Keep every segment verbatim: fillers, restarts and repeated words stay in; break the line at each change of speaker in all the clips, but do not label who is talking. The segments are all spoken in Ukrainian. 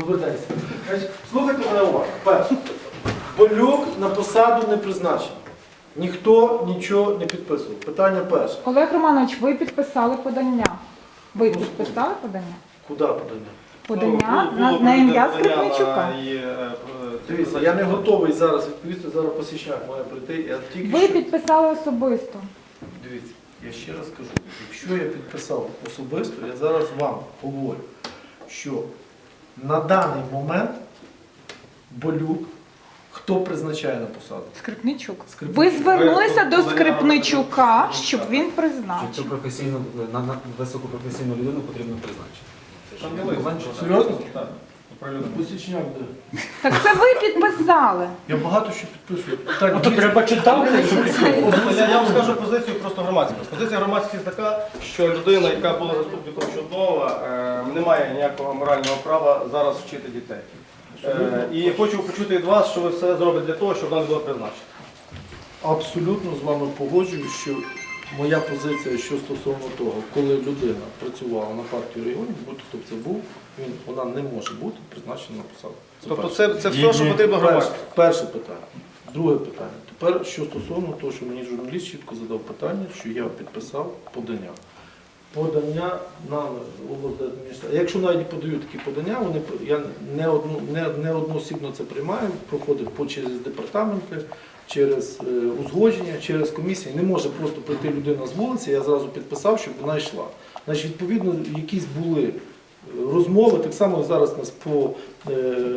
Добрий день. Значить, слухайте мене уважно. Перше. Болюк на посаду не призначений. Ніхто нічого не підписував. Питання перше.
Олег Романович, ви підписали подання. Ви підписали подання?
Куди подання?
Подання на, на ім'я Скрипничука.
Дивіться, я не готовий зараз відповісти, зараз посічняк має прийти. Я тільки
Ви
що...
підписали особисто.
Дивіться, я ще раз кажу, якщо я підписав особисто, я зараз вам говорю, що на даний момент Болюк, хто призначає на посаду?
Скрипничук.
Скрипничук.
Ви звернулися до Скрипничука, щоб він
Цю
призначив.
професійну, на, на високопрофесійну людину потрібно призначити.
Серйозно?
Так.
Посічняк де?
Так це ви підписали.
Я багато що підписую. Так,
То треба читати.
Я, я вам скажу позицію просто громадськості. Позиція громадськості така, що людина, яка була заступником Чуднова, е, не має ніякого морального права зараз вчити дітей. Е, і хочу почути від вас, що ви все зробите для того, щоб вона не була призначена.
Абсолютно з вами погоджуюсь, що моя позиція, що стосовно того, коли людина працювала на партію регіонів, будь-хто б це був, він, вона не може бути призначена на посаду. Це
Тобто
перше.
це, це все, що потрібно
Перше,
громадськості.
перше питання. Друге питання. Тепер, що стосовно того, що мені журналіст чітко задав питання, що я підписав подання. Подання на облдержадміністрацію. Якщо навіть подають такі подання, вони, я не, одну, не, не одноосібно це приймаю, проходить по через департаменти, через е, узгодження, через комісії. Не може просто прийти людина з вулиці, я зразу підписав, щоб вона йшла. Значить, відповідно, якісь були розмови, так само зараз у нас по е,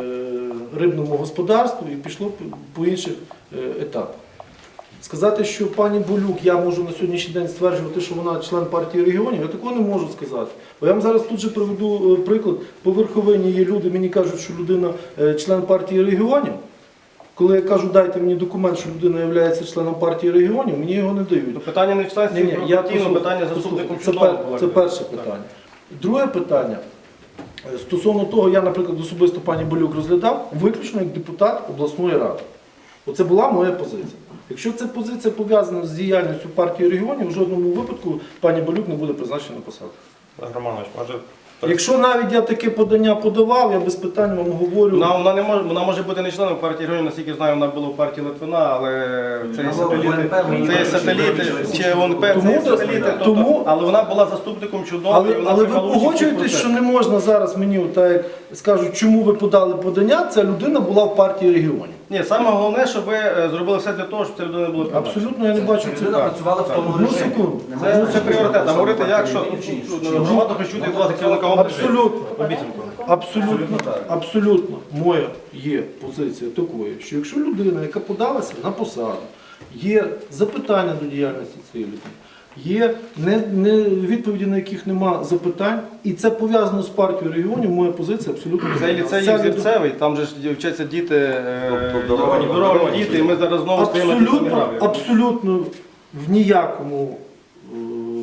рибному господарству і пішло по, по інших е, етапах. Сказати, що пані Болюк, я можу на сьогоднішній день стверджувати, що вона член партії регіонів, я такого не можу сказати. Бо я вам зараз тут же приведу приклад. По верховині є люди, мені кажуть, що людина член партії регіонів. Коли я кажу, дайте мені документ, що людина є членом партії регіонів, мені його не дають.
Ну, питання не в членстві,
Ні, ні, я
партійного,
послухаю,
питання
послухаю.
заступником
Це,
Чуднова.
пер, це перше питання. Друге питання. Стосовно того, я, наприклад, особисто пані Болюк розглядав виключно як депутат обласної ради. Оце була моя позиція. Якщо ця позиція пов'язана з діяльністю партії регіонів, в жодному випадку пані Болюк не буде призначена на посаду.
Романович, може...
Якщо навіть я таке подання подавав, я без питань вам говорю.
Вона, вона, не може, вона може бути не членом партії регіонів, наскільки знаю, вона була в партії Литвина, але це є сателіти, це є сателіти чи ОНП, це
Тому-
є сателіти, тобто,
тому-
але вона була заступником Чуднова.
Але, але ви погоджуєтесь, що не можна зараз мені, так як скажуть, чому ви подали подання, ця людина була в партії регіонів.
Ні, саме головне, щоб ви е, зробили все для того, щоб ця людина була призначена.
Абсолютно я не бачу це.
Людина працювала в тому
Одну
режимі.
секунду.
Це, це пріоритет. А говорити, як що громада хоче чути від вас керівника області.
Абсолютно.
Обіцянку.
Абсолютно, абсолютно моя є позиція такої, що якщо людина, яка подалася на посаду, є запитання до діяльності цієї людини, є не, не, відповіді, на яких нема запитань, і це пов'язано з партією регіонів, моя позиція абсолютно
Це
не
ліцей
Ця людина-
Зірцевий, там же ж вчаться діти, е,
Обдаровані.
обдаровані діти, і ми зараз знову стоїмо на тій самій
Абсолютно,
граві.
абсолютно в ніякому е,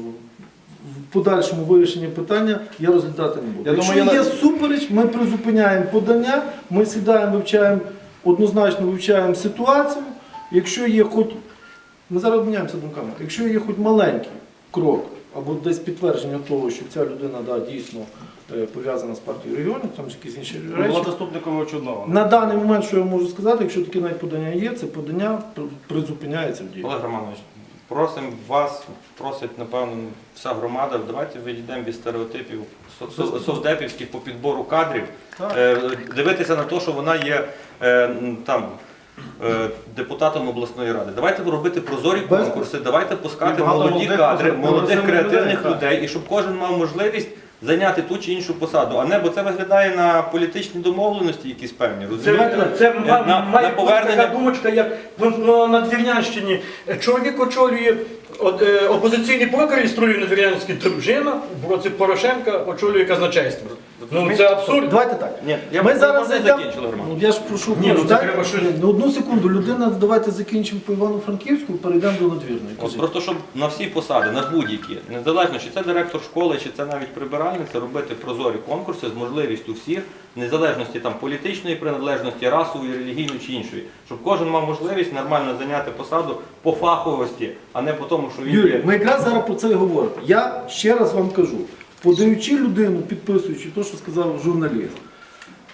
в подальшому вирішенні питання я розглядати не буду.
Я
Якщо
думаю, я
є
на-
супереч, ми призупиняємо подання, ми сідаємо, вивчаємо, однозначно вивчаємо ситуацію. Якщо є хоч, ми зараз обміняємося думками, якщо є хоч маленький крок або десь підтвердження того, що ця людина да, дійсно е, пов'язана з партією регіонів, там ж якісь інші
Була
речі.
заступником Чуднова.
На даний момент, що я можу сказати, якщо таке навіть подання є, це подання при- призупиняється в дії.
Олег Романович, просимо вас, просить, напевно, вся громада, давайте відійдемо від стереотипів со- со- совдепівських по підбору кадрів,
Так.
Е, дивитися на те, що вона є е, м, там, е, депутатом обласної ради. Давайте робити прозорі
Без-
конкурси, давайте пускати
І багато
молоді
молодих,
кадри,
прогресивних
молодих креативних
людей, так.
людей, і щоб кожен мав можливість зайняти ту чи іншу посаду, а не, бо це виглядає на політичні домовленості якісь певні,
Це,
розумієте?
це
на,
ма-
на,
має
на
бути
повернення
така думочка, як ну, ну, на Двірнянщині. Чоловік очолює от, е, опозиційний блок реєструє на Двірнянській, дружина в році Порошенка очолює казначейство. Ну це абсурд.
Давайте так.
Ні, я
Ми
ми
зараз
не
зайдемо-
закінчили, Роман.
Ну, я ж прошу,
Ні, ну, це
дайте-
треба щось-
Ні, ну, одну секунду, людина, давайте закінчимо по Івано-Франківську, перейдемо до Надвірної.
От
Кажіть.
просто щоб на всі посади, на будь-які, незалежно чи це директор школи, чи це навіть прибиральниця, робити прозорі конкурси з можливістю всіх, в незалежності там політичної приналежності, расової, релігійної чи іншої, щоб кожен мав можливість нормально зайняти посаду по фаховості, а не по тому, що він
Юрій,
є.
ми якраз зараз про це і говоримо. Я ще раз вам кажу, подаючи людину, підписуючи те, що сказав журналіст,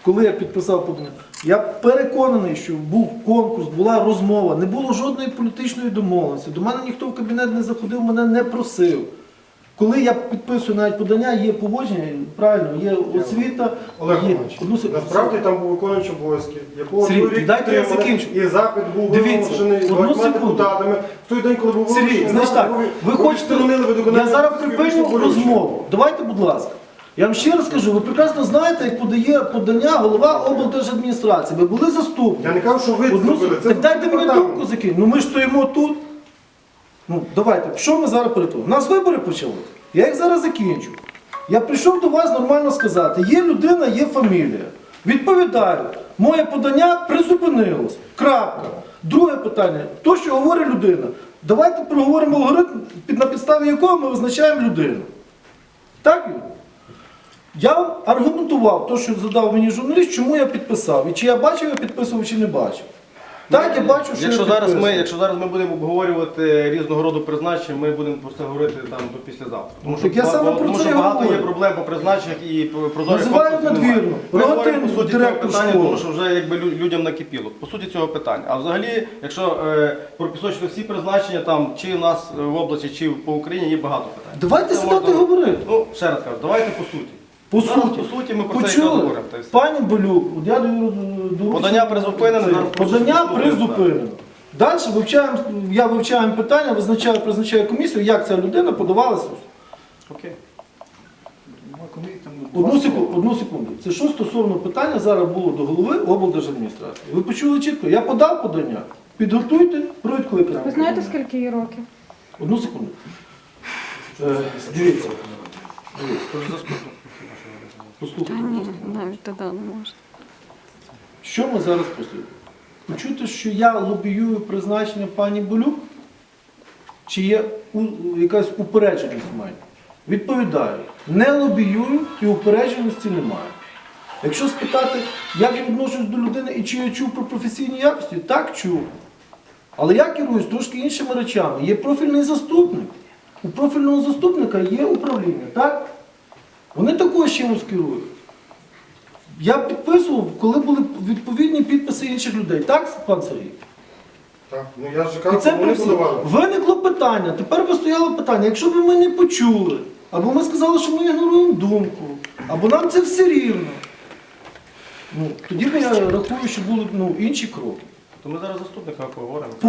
коли я підписав подання, я переконаний, що був конкурс, була розмова, не було жодної політичної домовленості. До мене ніхто в кабінет не заходив, мене не просив. Коли я підписую навіть подання, є поводження, правильно, є освіта,
Олег
є...
Іванович,
Одну сек-
насправді там був виконуючий обов'язки, якого
Сергій,
чоловік
дайте я
підтримали,
закінчу.
і запит був
Дивіться,
вимушений
одну
багатьма
секунду.
депутатами. В той день, коли був
Сергій,
вимушений
значить
запит,
так,
ви-
ви
ви
хочете,
відсторонили виконання
я зараз
політичних
припиню
болючок.
розмову. Давайте, будь ласка. Я вам ще раз кажу, ви прекрасно знаєте, як подає подання голова облдержадміністрації. Ви були заступником.
Я не кажу, що ви
Одну
зробили.
сек-
Це
Так дайте мені
департамент.
думку закинути. Ну ми ж стоїмо тут. Ну, давайте, що ми зараз перетворимо? У нас вибори почалися. Я їх зараз закінчу. Я прийшов до вас нормально сказати, є людина, є фамілія. Відповідаю, моє подання призупинилось. Крапка. Друге питання, то, що говорить людина. Давайте проговоримо алгоритм, під- на підставі якого ми визначаємо людину. Так, Юрій? Я вам аргументував те, що задав мені журналіст, чому я підписав. І чи я бачив, я підписував, чи не бачив. Так, я бачу, що
Якщо
я
зараз ми,
підписував.
якщо зараз ми будемо обговорювати різного роду призначення, ми будемо про це говорити там до післязавтра. Тому
Так я
ба-
саме
ба-
про
тому
це
що
і
багато
говорю.
є проблем по призначеннях і по прозорих
Називають
конкурсів немає.
надвірно.
Ми говоримо по
Рогатин,
суті цього
директор
питання,
школи.
тому що вже якби лю- людям накипіло. По суті цього питання. А взагалі, якщо е, пропісочити всі призначення там чи в нас е, в області, чи по Україні, є багато питань.
Давайте
Це
сідати і
можна-
говорити.
Ну, ще раз кажу, давайте по суті.
По
Зараз,
суті.
по суті, ми про це якраз
Почули?
говоримо. та й все.
Пані Болюк, от я даю доручення.
Подання призупинено,
Це,
зараз
Подання
прошу
призупинено. Далі вивчаємо, я вивчаю питання, визначаю, призначаю комісію, як ця людина подавалася.
Окей.
Одну секунду, одну секунду. Це що стосовно питання зараз було до голови облдержадміністрації. Ви почули чітко, я подав подання. Підготуйте про відкликання.
Ви знаєте, скільки їй років?
Одну секунду. Е, дивіться. Послухайте.
Ні, навіть тоді не можна.
Що ми зараз послухаємо? Почути, що я лобіюю призначення пані Болюк? Чи є у- якась упередженість в мене? Відповідаю, не лобіюю і упередженості немає. Якщо спитати, як я відношусь до людини і чи я чув про професійні якості, так чув. Але я керуюсь трошки іншими речами. Є профільний заступник. У профільного заступника є управління, так? Вони також чимось керують. Я підписував, коли були відповідні підписи інших людей. Так, пан Сергій?
Так, ну я ж
І
кажу,
це
вони
при всіх.
подавали.
Виникло питання, тепер би стояло питання, якщо б ми не почули, або ми сказали, що ми ігноруємо думку, або нам це все рівно, ну, тоді б я рахую, що були ну, інші кроки.
То ми зараз заступника говоримо.